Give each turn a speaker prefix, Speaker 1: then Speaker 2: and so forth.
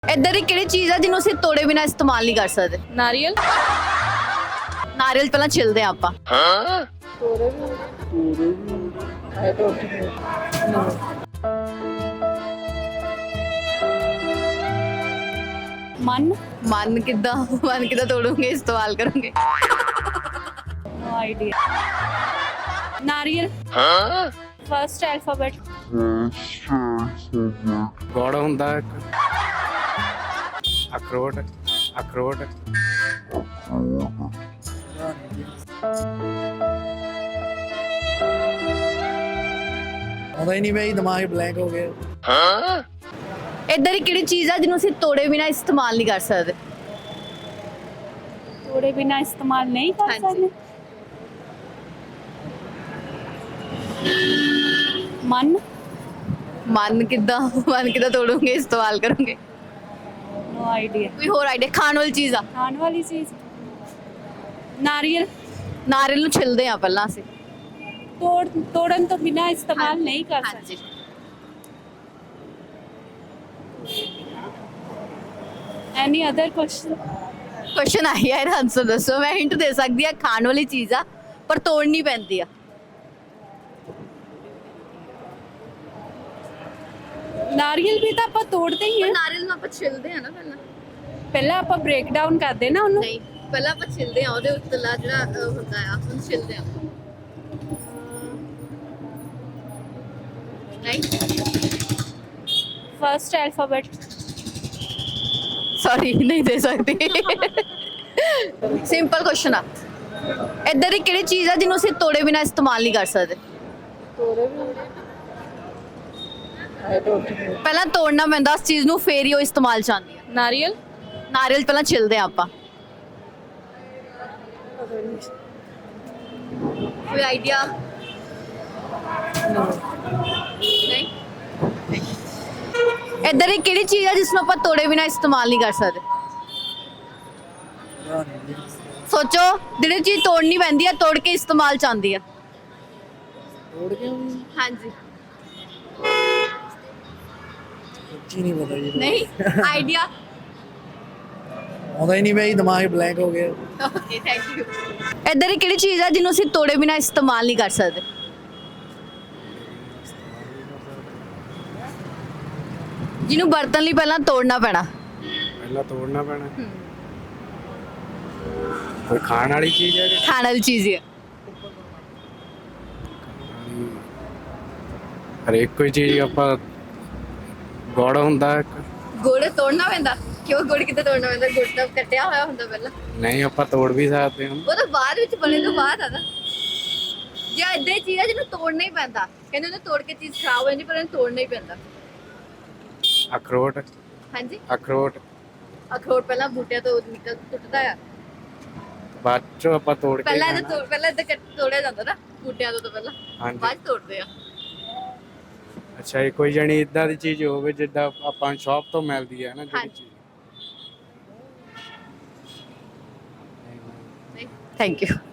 Speaker 1: ਇੱਦਾਂ ਦੀ ਕਿਹੜੀ ਚੀਜ਼ ਆ ਜਿਹਨੂੰ ਅਸੀਂ ਤੋੜੇ ਬਿਨਾ ਇਸਤੇਮਾਲ ਨਹੀਂ ਕਰ ਸਕਦੇ?
Speaker 2: ਨਾਰੀਅਲ।
Speaker 1: ਨਾਰੀਅਲ ਪਹਿਲਾਂ ਛਿਲਦੇ ਆ ਆਪਾਂ।
Speaker 2: ਮਨ।
Speaker 1: ਮਨ ਕਿੱਦਾਂ ਤੋੜੋਗੇ, ਇਸਤੇਮਾਲ ਕਰੋਗੇ?
Speaker 2: No idea. नारियल। First alphabet.
Speaker 3: ਗੋੜ ਹੁੰਦਾ ਇੱਕ ਅਖਰੋਟ ਅਖਰੋਟ
Speaker 4: ਆਉਂਦਾ ਹੀ ਨਹੀਂ ਬਈ, ਦਿਮਾਗ ਬਲੈਂਕ ਹੋ ਗਿਆ।
Speaker 1: ਇੱਦਾਂ ਦੀ ਕਿਹੜੀ ਚੀਜ਼ ਆ ਜਿਹਨੂੰ ਅਸੀਂ ਤੋੜੇ ਬਿਨਾ ਇਸਤੇਮਾਲ ਨਹੀਂ ਕਰ ਸਕਦੇ?
Speaker 2: तोड़े बिना इस्तेमाल नहीं कर
Speaker 1: हाँ जी।
Speaker 2: सकते। मन।
Speaker 1: ਮਨ ਕਿੱਦਾਂ ਤੋੜੋਗੇ, ਇਸਤੇਮਾਲ ਕਰੋਗੇ?
Speaker 2: No idea.
Speaker 1: ਕੋਈ ਹੋਰ ਆਈਡੀਆ? ਖਾਣ ਵਾਲੀ ਚੀਜ਼ ਆ।
Speaker 2: खाने वाली चीज। नारियल।
Speaker 1: ਨਾਰੀਅਲ ਨੂੰ ਛਿਲਦੇ ਆ ਪਹਿਲਾਂ ਅਸੀਂ।
Speaker 2: तोड़न तो बिना इस्तेमाल नहीं कर
Speaker 1: ਹਾਂਜੀ।
Speaker 2: सकते। Any other question?
Speaker 1: ਕੁਐਸਚਨ ਆਈ ਹੈ, ਆਨਸਰ ਦੱਸੋ। ਮੈਂ ਹਿੰਟ ਦੇ ਸਕਦੀ ਆ, ਖਾਣ ਵਾਲੀ ਚੀਜ਼ ਆ ਪਰ ਤੋੜਨੀ ਪੈਂਦੀ ਆ।
Speaker 2: ਨਾਰੀਅਲ ਵੀ ਤਾਂ ਆਪਾਂ ਤੋੜਦੇ ਹੀ ਆ।
Speaker 1: ਨਾਰੀਅਲ ਨੂੰ ਆਪਾਂ ਛਿਲਦੇ ਆ ਨਾ ਪਹਿਲਾਂ।
Speaker 2: ਪਹਿਲਾਂ ਆਪਾਂ ਬ੍ਰੇਕ ਡਾਊਨ ਕਰਦੇ ਨਾ ਉਹਨੂੰ।
Speaker 1: ਨਹੀਂ, ਪਹਿਲਾਂ ਆਪਾਂ ਛਿਲਦੇ ਆ, ਉਹਦੇ ਉੱਤਲਾ ਜਿਹੜਾ ਹੁੰਦਾ ਆ ਉਹਨੂੰ ਛਿਲਦੇ ਆ। ਨਹੀਂ,
Speaker 2: ਫਰਸਟ ਅਲਫਾਬੇਟ।
Speaker 1: ਸੌਰੀ ਨਹੀਂ ਦੇ ਸਕਦੀ। ਸਿੰਪਲ ਕੁਐਸਚਨ ਆ। ਇੱਦਾਂ ਦੀ ਕਿਹੜੀ ਚੀਜ਼ ਆ ਜਿਹਨੂੰ ਅਸੀਂ ਤੋੜੇ ਬਿਨਾ ਇਸਤੇਮਾਲ ਨਹੀਂ ਕਰ ਸਕਦੇ? ਪਹਿਲਾਂ ਤੋੜਨਾ ਪੈਂਦਾ ਉਸ ਚੀਜ਼ ਨੂੰ, ਫੇਰ ਹੀ ਉਹ ਇਸਤੇਮਾਲ ਚ ਆਉਂਦੀ ਆ।
Speaker 2: ਨਾਰੀਅਲ।
Speaker 1: ਨਾਰੀਅਲ ਪਹਿਲਾਂ ਛਿਲਦੇ ਆ ਆਪਾਂ। ਕੋਈ ਆਈਡੀਆ? ਨਹੀਂ। ਇੱਦਾਂ ਦੀ ਕਿਹੜੀ ਚੀਜ਼ ਆ ਜਿਸ ਨੂੰ ਆਪਾਂ ਤੋੜੇ ਬਿਨਾ ਇਸਤੇਮਾਲ ਨਹੀਂ ਕਰ ਸਕਦੇ? ਸੋਚੋ, ਜਿਹੜੀ ਚੀਜ਼ ਤੋੜਨੀ ਪੈਂਦੀ ਆ, ਤੋੜ ਕੇ ਇਸਤੇਮਾਲ ਚ ਆਉਂਦੀ ਆ।
Speaker 4: ਤੋੜ ਕੇ
Speaker 1: ਹਾਂਜੀ।
Speaker 4: ਸੱਚੀ ਨਹੀਂ ਪਤਾ ਜੀ।
Speaker 1: ਨਹੀਂ ਆਈਡੀਆ?
Speaker 4: ਆਉਂਦਾ ਹੀ ਨਹੀਂ ਬਈ, ਦਿਮਾਗ ਬਲੈਂਕ ਹੋ ਗਿਆ।
Speaker 1: Okay, thank you. ਇੱਦਾਂ ਦੀ ਕਿਹੜੀ ਚੀਜ਼ ਆ ਜਿਹਨੂੰ ਅਸੀਂ ਤੋੜੇ ਬਿਨਾ ਇਸਤੇਮਾਲ ਨਹੀਂ ਕਰ ਸਕਦੇ? ਜਿਹਨੂੰ ਵਰਤਣ ਲਈ ਪਹਿਲਾਂ ਤੋੜਨਾ ਪੈਣਾ।
Speaker 3: ਪਹਿਲਾਂ ਤੋੜਨਾ ਪੈਣਾ। ਕੋਈ ਖਾਣ ਵਾਲੀ ਚੀਜ਼ ਹੈ ਕਿ
Speaker 1: ਖਾਣ ਵਾਲੀ ਚੀਜ਼ ਹੀ ਆ।
Speaker 3: ਹਰੇਕ ਕੋਈ ਚੀਜ਼ ਆਪਾਂ ਗੋੜ ਹੁੰਦਾ ਇੱਕ
Speaker 1: ਗੁੜ ਤੋੜਨਾ ਪੈਂਦਾ? ਕਿਉਂ ਗੁੜ ਕਿਤੇ ਤੋੜਨਾ ਪੈਂਦਾ? ਗੁੜ ਤਾਂ ਕੱਟਿਆ ਹੋਇਆ ਹੁੰਦਾ ਪਹਿਲਾਂ।
Speaker 3: ਨਹੀਂ ਆਪਾਂ ਤੋੜ ਵੀ ਸਕਦੇ ਹਾਂ।
Speaker 1: ਉਹ ਤਾਂ ਬਾਅਦ ਵਿੱਚ ਬਣੇ ਤੋਂ ਬਾਅਦ ਆ ਨਾ। ਜੇ ਏਦਾਂ ਹੀ ਚੀਜ਼ ਆ ਜਿਹਨੂੰ ਤੋੜਨਾ ਹੀ ਪੈਂਦਾ, ਕਹਿੰਦੇ ਉਹਨੂੰ ਤੋੜ ਕੇ ਚੀਜ਼ ਖਰਾਬ ਹੋ ਜਾਂਦੀ, ਪਰ ਇਹਨੂੰ ਤੋੜਨਾ ਹੀ ਪੈਂਦਾ।
Speaker 3: ਅਖਰੋਟ
Speaker 1: ਹਾਂਜੀ।
Speaker 3: ਅਖਰੋਟ
Speaker 1: ਅਖਰੋਟ ਪਹਿਲਾਂ ਬੂਟਿਆਂ ਤੋਂ ਨਿਕਲ ਟੁੱਟਦਾ ਆ।
Speaker 3: ਬਾਅਦ ਚੋਂ ਆਪਾਂ ਤੋੜ ਕੇ
Speaker 1: ਪਹਿਲਾਂ
Speaker 3: ਖਾਣਾ।
Speaker 1: ਇਹਦਾ ਪਹਿਲਾਂ ਇਹਦਾ ਤੋੜਿਆ ਜਾਂਦਾ ਨਾ ਬੂਟਿਆਂ ਤੋਂ ਪਹਿਲਾਂ,
Speaker 3: ਹਾਂਜੀ।
Speaker 1: ਬਾਅਦ 'ਚ ਤੋੜਦੇ ਆ।
Speaker 3: ਅੱਛਾ, ਇਹ ਕੋਈ ਜਣੀ ਇਦਾਂ ਦੀ ਚੀਜ਼ ਹੋਵੇ ਜਿੱਦਾਂ ਆਪਾਂ ਸ਼ਾਪ ਤੋਂ ਮਿਲਦੀ ਹੈ ਨਾ ਜਿਹੜੀ
Speaker 1: ਹਾਂਜੀ।
Speaker 3: ਚੀਜ਼।
Speaker 1: Thank you.